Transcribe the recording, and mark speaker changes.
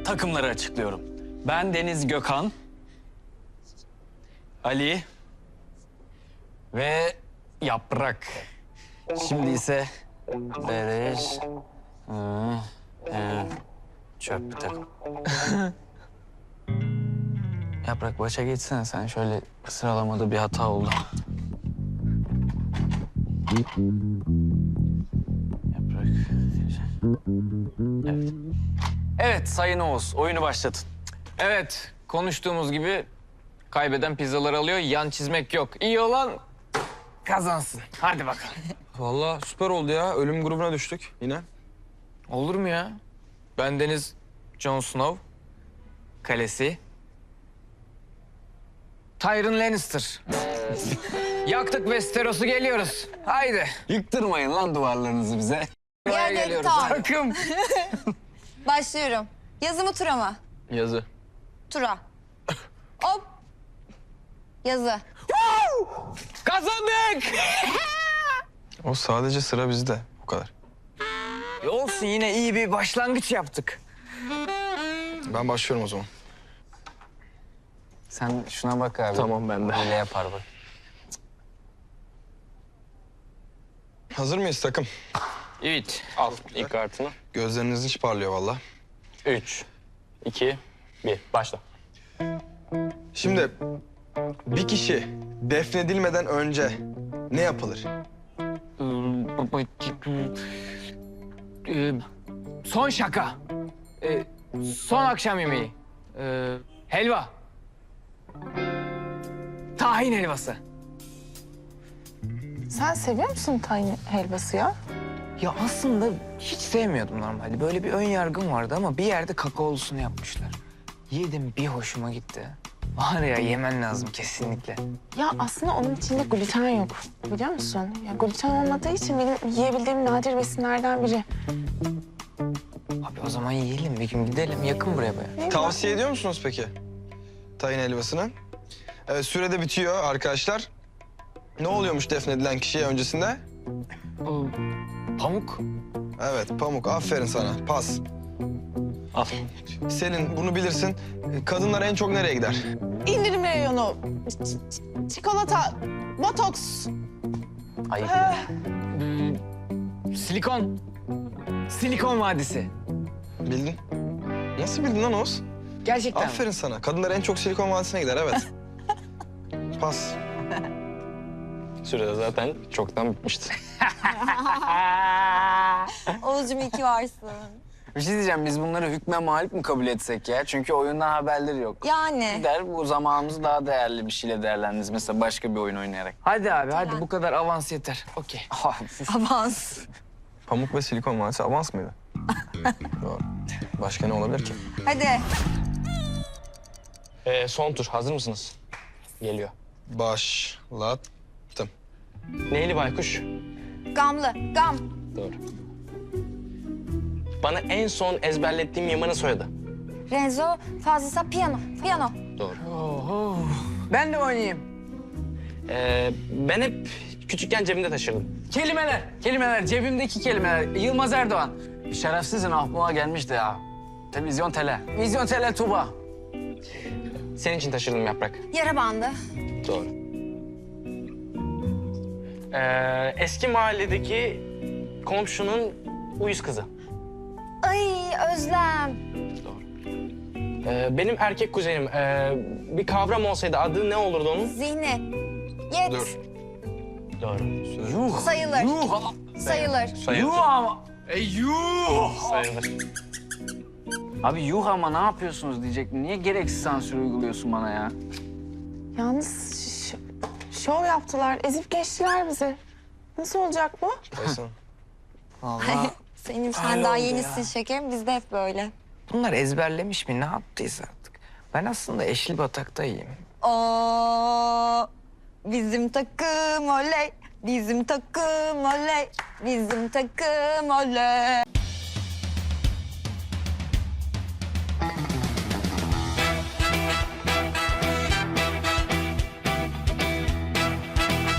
Speaker 1: takımları açıklıyorum. Ben Deniz Gökhan, Ali ve Yaprak. Şimdi ise Beleş, çöp bir takım. Yaprak başa geçsene sen. Şöyle sıralamada bir hata oldu. Yaprak. Evet. Evet Sayın Oğuz, oyunu başlatın.
Speaker 2: Evet, konuştuğumuz gibi kaybeden pizzaları alıyor, yan çizmek yok. İyi olan kazansın. Hadi bakalım.
Speaker 3: Vallahi süper oldu ya. Ölüm grubuna düştük yine.
Speaker 2: Olur mu ya? Ben Deniz Jon Snow. Kalesi. Tyrion Lannister. Yaktık Westeros'u, geliyoruz. Haydi.
Speaker 1: Yıktırmayın lan duvarlarınızı bize.
Speaker 2: Buraya
Speaker 4: Yerleri
Speaker 2: geliyoruz.
Speaker 4: tamam.
Speaker 2: Takım.
Speaker 4: Başlıyorum. Yazı mı tura mı?
Speaker 2: Yazı.
Speaker 4: Tura. Hop. Yazı.
Speaker 2: Kazandık.
Speaker 3: O sadece sıra bizde. O kadar.
Speaker 2: Olsun, yine iyi bir başlangıç yaptık.
Speaker 3: Ben başlıyorum o zaman.
Speaker 1: Sen şuna bak abi.
Speaker 2: Tamam, ben de.
Speaker 1: Öyle yapar bak.
Speaker 3: Hazır mıyız takım?
Speaker 2: Evet. Al ilk kartını.
Speaker 3: Gözleriniz hiç parlıyor vallahi.
Speaker 2: 3, 2, 1. Başla.
Speaker 3: Şimdi bir kişi defnedilmeden önce ne yapılır?
Speaker 2: Son şaka. Son akşam yemeği. Helva. Tahin helvası.
Speaker 5: Sen seviyor musun tahin helvası ya?
Speaker 2: Ya aslında hiç sevmiyordum normalde. Böyle bir ön yargım vardı ama bir yerde kakaolusunu yapmışlar. Yedim, bir hoşuma gitti. Var ya, yemen lazım kesinlikle.
Speaker 5: Ya aslında onun içinde gluten yok. Biliyor musun? Ya gluten olmadığı için benim yiyebildiğim nadir besinlerden biri.
Speaker 2: Abi o zaman yiyelim, bir gün gidelim. Yakın buraya baya.
Speaker 3: Tavsiye ediyor musunuz peki tayin helvasını? Evet, sürede bitiyor arkadaşlar. Ne oluyormuş defnedilen kişiye öncesinde?
Speaker 2: Pamuk.
Speaker 3: Evet, pamuk. Aferin sana. Pas.
Speaker 1: Al.
Speaker 3: Selin, bunu bilirsin. Kadınlar en çok nereye gider?
Speaker 5: İndirim reyonu, çikolata, botoks.
Speaker 1: Ayıp.
Speaker 2: Silikon. Silikon Vadisi.
Speaker 3: Bildin. Nasıl bildin lan Oğuz?
Speaker 2: Gerçekten.
Speaker 3: Aferin sana. Kadınlar en çok Silikon Vadisi'ne gider, evet. Pas.
Speaker 1: Sürede zaten çoktan bitmişti.
Speaker 4: Oğuzcum iyi ki varsın.
Speaker 1: Bir şey diyeceğim, biz bunları hükme mağlup mu kabul etsek ya? Çünkü oyundan haberleri yok.
Speaker 4: Yani.
Speaker 1: Gider bu zamanımızı daha değerli bir şeyle değerlendiririz. Mesela başka bir oyun oynayarak.
Speaker 2: Hadi abi, hadi bu kadar avans yeter. Okey.
Speaker 4: Avans.
Speaker 3: Pamuk ve Silikon Vadisi avans mıydı? Doğru. Başka ne olabilir ki?
Speaker 4: Hadi.
Speaker 6: Son tur. Hazır mısınız? Geliyor.
Speaker 3: Başlattım.
Speaker 6: Neyli baykuş?
Speaker 4: Gamlı. Gam.
Speaker 6: Doğru. Bana en son ezberlettiğim Yaman'ın soyadı.
Speaker 4: Renzo. Fazlasa piyano. Piyano.
Speaker 6: Doğru.
Speaker 2: Ben de oynayayım.
Speaker 6: Ben hep küçükken cebimde taşırdım.
Speaker 1: Kelimeler, cebimdeki kelimeler. Yılmaz Erdoğan. Şerefsizin aklıma gelmişti ya. Televizyon tele. Vizyon tele Tuba.
Speaker 6: Senin için taşırdım Yaprak.
Speaker 4: Yara bandı.
Speaker 6: Doğru. Eski mahalledeki komşunun uyuz kızı.
Speaker 4: Ay Özlem.
Speaker 6: Benim erkek kuzenim. Bir kavram olsaydı adı ne olurdu onun?
Speaker 4: Zihni. Yet.
Speaker 3: Dur.
Speaker 6: Doğru.
Speaker 1: Yuh.
Speaker 4: Sayılır.
Speaker 1: Yuh.
Speaker 4: Sayılır.
Speaker 1: Yuh ama. Yuh.
Speaker 6: Sayılır.
Speaker 1: Abi yuh ama ne yapıyorsunuz diyecektim. Niye gereksiz sansür uyguluyorsun bana ya?
Speaker 5: Yalnız şov yaptılar, ezip geçtiler bizi. Nasıl olacak bu?
Speaker 3: Aysun.
Speaker 1: Vallahi.
Speaker 4: Senin sen daha yenisin şekerim. Bizde hep böyle.
Speaker 2: Bunlar ezberlemiş mi? Ne yaptıysa artık. Ben aslında eşli bataktayım.
Speaker 4: Oo, bizim takım oley. Bizim takım oley. Bizim takım oley.